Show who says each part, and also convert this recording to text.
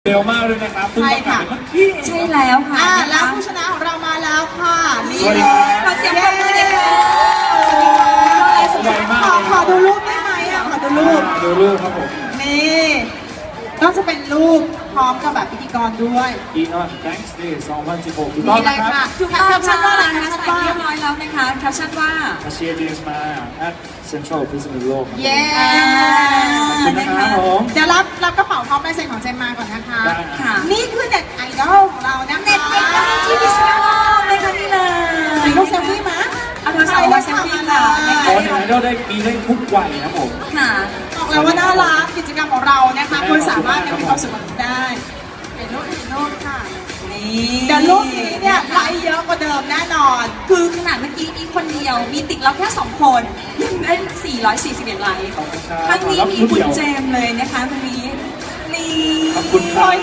Speaker 1: เร็วมากเลยนะครับใช่ค่ะ
Speaker 2: ใช่แล้วค่ะ
Speaker 3: แล้วผู้ชนะของเรามาแล้วค่ะนี่
Speaker 1: สวัสดี
Speaker 2: ขอเสียงปรบมือหน่อยค่ะ
Speaker 1: สวัสดีมาก
Speaker 3: ขอดูรูปได้ไหมขอดูรูป
Speaker 1: ดูรูปครับผม
Speaker 3: นี่ก็จะเป็นรูปพร้อมกับแบบพิธีกรด้วย
Speaker 1: อีออนแบงค์เดย์2016ถูกต้อง
Speaker 3: นี่เลย
Speaker 1: นะค
Speaker 3: ค่ะ
Speaker 1: รับ
Speaker 2: ถูกต้อง
Speaker 3: แคปชั่นว่าอะไร
Speaker 2: นะคะ
Speaker 3: แคป
Speaker 2: ใส่
Speaker 3: ชั่นว่า
Speaker 2: เรียบร้อยแล้วนะคะแคปชั่นว่า
Speaker 1: มาเชียร์เจมส์มา at Central พิษณุโลกครับ
Speaker 3: เย้
Speaker 1: ขอบคุณนะครับผม
Speaker 3: เดี๋ยวรับกระเป๋าพร้อมลายเซ็นของเจมมาก่อนนะคะ
Speaker 1: ได้
Speaker 2: ค่ะ
Speaker 3: นี่คือเน็ตไอดอลของเรานะคะ
Speaker 2: เน็ตไอดอลที่พิษณุโลกเลยค่ะนี่เลย
Speaker 3: ถ่ายรูปเซลฟี่มา
Speaker 2: เอาโทรศัพท์มาเซลฟี่ค่ะ
Speaker 1: ตอนไหนเราได้มีได้ทุกวัยนะผม
Speaker 2: ค่ะ
Speaker 3: บอกเลยว่าน่ารักกิจกรรมของเรานะคะคุณสามารถยังมีความสุขกับมันได้เห็นรูปค่ะ
Speaker 2: นี่
Speaker 3: เดี๋ยวรูปนี้เนี่ยไลค์เยอะกว่าเดิมแน่นอน
Speaker 2: คือขนาดเมื่อกี้นี้คนเดียวมีติดเราแค่2 คนยังได้441ไลค์
Speaker 1: ขอบคุณครับ
Speaker 2: ครั้งนี้
Speaker 1: รับ
Speaker 2: มี
Speaker 1: รุ่น
Speaker 2: คุ
Speaker 1: เดี
Speaker 2: ณ
Speaker 1: ยว
Speaker 2: เจมส์เลยนะคะวันนี้นี่
Speaker 1: ขอบคุณครับ